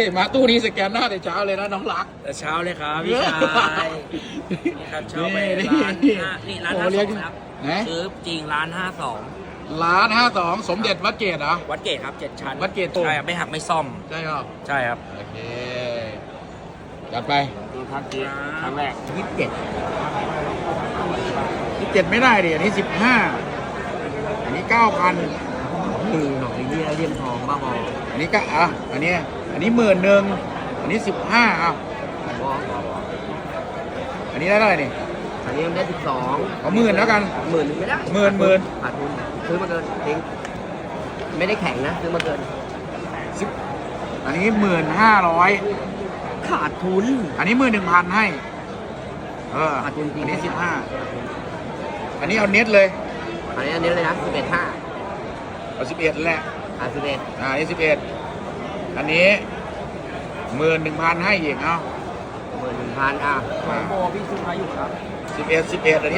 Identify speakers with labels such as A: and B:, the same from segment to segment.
A: มาตู้นี้สแกนหน้าแต่เช้าเลยนะน้องรัก
B: แต่เช้าเลยครับพี่ชายนี่ครับเช้าไปร้านนี่ร้าน52ครับซื้อจริงร้าน52
A: ร้าน52สมเด็จวัดเกตเหรอ
B: วัดเกตครับ7 ชั้น
A: วัดเกต
B: ใช่ครับไม่หักไม่ซ่อม
A: ใช่ครับ
B: ใช่ครับ
A: โอเคจัดไป
B: ดูครับจีครั้งแรก
A: 27ไม่ได้ดิอันนี้15อันนี้ 9,000
B: หน่อยเลี่ยมทองบ้าบอ
A: อันนี้ก็อันนี้11,000อันนี้15อันนี้ได้เท่าไหร่นี่
B: อันนี้ได้12
A: เอา10,000แล้วกัน
B: 10,000ไม่ได้
A: หมื่น
B: ขาดทุนซื้อมาเกินทิ้งไม่ได้แข่งนะซื้อมาเกิน
A: อันนี้1,500
B: ขาดทุน
A: อันนี้11,000ให้
B: ขาดทุนจริง
A: อันนี้15อันนี้เอาเน็ตเลย
B: อันนี้เลยนะ11.5
A: เอา11แหละ
B: 11
A: อันนี้11อันนี้11,000ให้อีกเอา
B: 11,000โบพี่ซื้อมาอยู่ครับ
A: 11อันนี้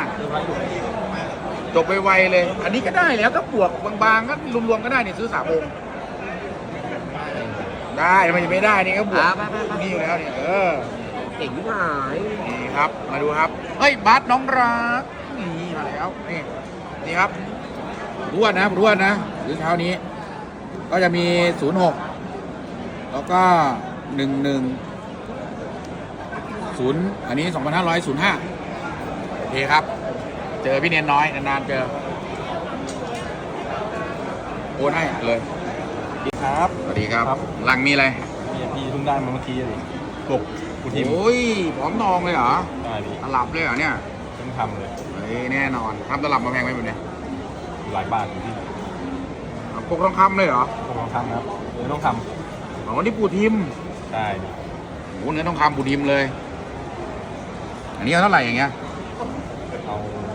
A: 15จบไวๆเลยอันนี้ก็ได้แล้วก็บวกบางๆก็รวมๆก็ได้นี่ซื้อ3 องค์ได้มันจะไม่ได้นี่ก็บวกนี่อยู่แล้วนี่
B: เก่งมาก
A: นี่ครับมาดูครับเฮ้ยบัสน้องรักนี่มาแล้วนี่ครับร่วนนะหรือเช้านี้ก็จะมี06แล้วก็110อันนี้2505โอเคครับเจอพี่เนียนน้อยนานๆเจอโอนให้เลย
C: ครับ
A: สวัสดีครับหลังมีอะไร
C: พี่เพิ่งได้มาเมื่อกี้เลยปกกูทิม
A: โอ้ยพร้อมนองเลยเหรอ
C: ได้พี่
A: ตลับเลยเหรอเนี่ย
C: เพิ่งทำเลย
A: แน่นอนทำตลับมาแพงไหมแบบนี้
C: หลายบาทอยู่พี่
A: ปกทองคำเลยเหรอ
C: ปกทองคำครับเนื้อทองค
A: ำอ๋อนี่ปูทิม
C: ใช่
A: โอ้เนื้อทองคำปูทิมเลยอันนี้เอาเท่าไหร่อย่างเงี้ย
C: เอา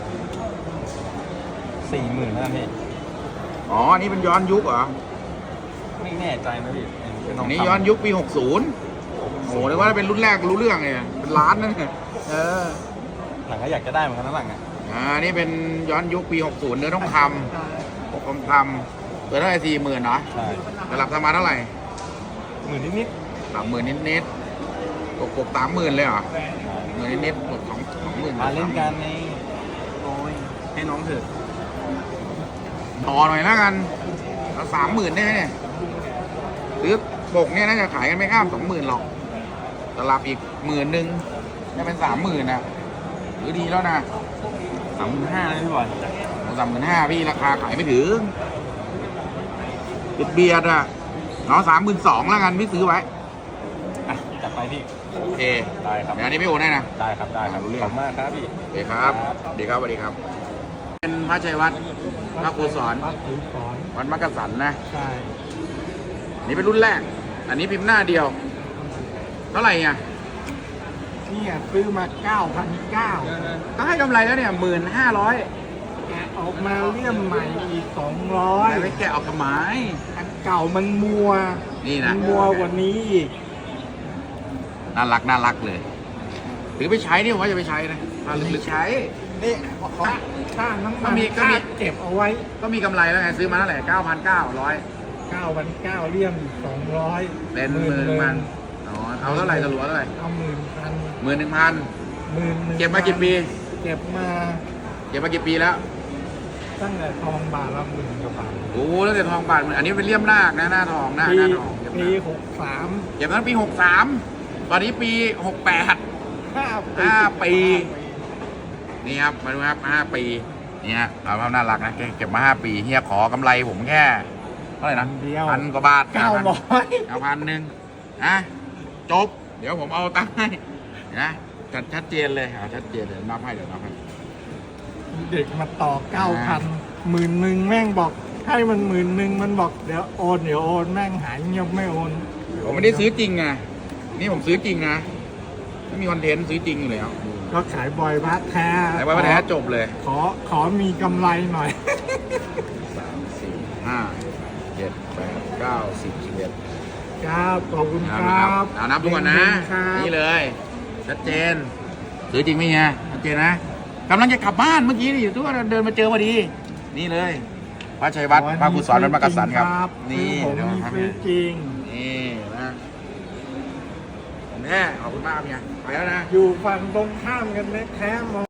C: 40,000นะพี่
A: อ๋ออันนี้เป็นย้อนยุคเหรอ
C: ไม่แน่ใจนะพี่
A: อันนี้ย้อนยุคปี60โอ้นึกว่าเป็นรุ่นแรกรู้เรื่องเลยเป็นล้านนั่น
C: หลังก็อยากจะได้เหมือนกันนะหลัง
A: นี่เป็นย้อนยุคปี60เนื้อทองคำปกทองคำตัวเท่าไหร่40,000เนาะ
C: ใช่
A: ระดับประมาณเท่าไหร่
C: 10,000นิด
A: 30,000นิดปก30,000เลยเหรอ10,000นิดปก20,000
C: มาเล่นกันในโอ้ยให้น้องเถอะ
A: ต่อหน่อยแล้วกันเอา30,000ได้ไหมเนี่ยหรือปกเนี่ยน่าจะขายกันไม่ข้าม20,000หรอกตลับอีก10,000จะเป็น30,000นะหรือดีแล้วนะ
C: 35,000เลยพี่บอย
A: 35,000พี่ราคาขายไม่ถึงเบียดอ่ะเนาะ32,000แล้วกันพี่ซื้อไว้
C: จัดไปพี่
A: โอเค
C: ได้ครับ
A: อันนี้ไม่โอนได้นะ
C: ได้ครับขอบคุณมากครับพี่
A: ดีครับดีครับสวัสดีครับเป็นพระชัยวัฒน์พระครูสอนวัดมักกะสันนะ
C: ใช่
A: นี่เป็นรุ่นแรกอันนี้พิมพ์หน้าเดียวเท่าไหร่เนี่ย
C: นี่ซื้อมา9,900
A: ก็ให้กำไรแล้วเนี่ย1,500
C: แกะออกมาเลี่ยมใหม่อีก200
A: ไม่แกะออกกระไม้
C: อันเก่ามันมัว
A: นี่นะ
C: มัวกว่านี้อีก
A: น่ารักเลยหรือไปใช้นี่ผมว่าจะไปใช้นะหรือใช้
C: นี่ค่าน้ำมันค่าเก็บเอาไว้
A: ก็มีกำไรแล้วไงซื้อมาเท่าไหร่9,900
C: 9,900เลี่ยม200
A: เป็น10,000เอาเท่าไหร่จะหลวเท่าไหร่
C: เอา
A: 11,000 เก็บมากี่ปี
C: เก็บมา
A: กี่ปีแล้ว
C: ตั้งแต่ทองบาทละ10,000 กว่าบาท
A: โอ้แล้วแต่ทองบาทอันนี้เป็นเลี่ยมนาคนะหน้าทองหน้าทอง
C: ปี63
A: เก็บนั้นปี63ตอนนี้ปี68 5 ปีนี่ครับมาดูครับ5 ปีนี่ฮะเอาภาพน่ารักนะเก็บมา5 ปีเฮียขอกำไรผมแค่เท่าไหร่นะ1,000 กว่าบาท9,000นะจบเดี๋ยวผมเอาตังค์ให้นะชัดเจนเลยชัดเจนเลยนับให้เดี๋ยวนับให้
C: เด็กมาต่อ 9,000 10,000แม่งบอกให้มัน10,000มันบอกเดี๋ยวโอนแม่งหายเงียบไม่โอน
A: ผมไม่ได้ซื้อจริงไงนี่ผมซื้อจริงนะไม่มีคอนเทนต์ซื้อจริงอยู่แล้ว
C: ก็ขายบอยพระแท้
A: ขายบอยพระแท้จบเลย
C: ขอมีกำไรหน่อย
A: 3 4 5 7 8 9 10 11
C: ครับขอบคุณครับ
A: นับทุกคนนะนี่เลยชัดเจนซื้อจริงไหมเฮียชัดเจนนะกำลังจะกลับบ้านเมื่อกี้นี่ทุกคนเดินมาเจอพอดีนี่เลยพระชัยวัฒน์พระครูสอนวัดมักกะสันครับ
C: นี่ผมมีซื้อจริง
A: นี่นะแน่ขอบคุณมากครับเฮียไปแล้วนะ
C: อยู่ฝั่งตรงข้ามกันแท้ๆมอง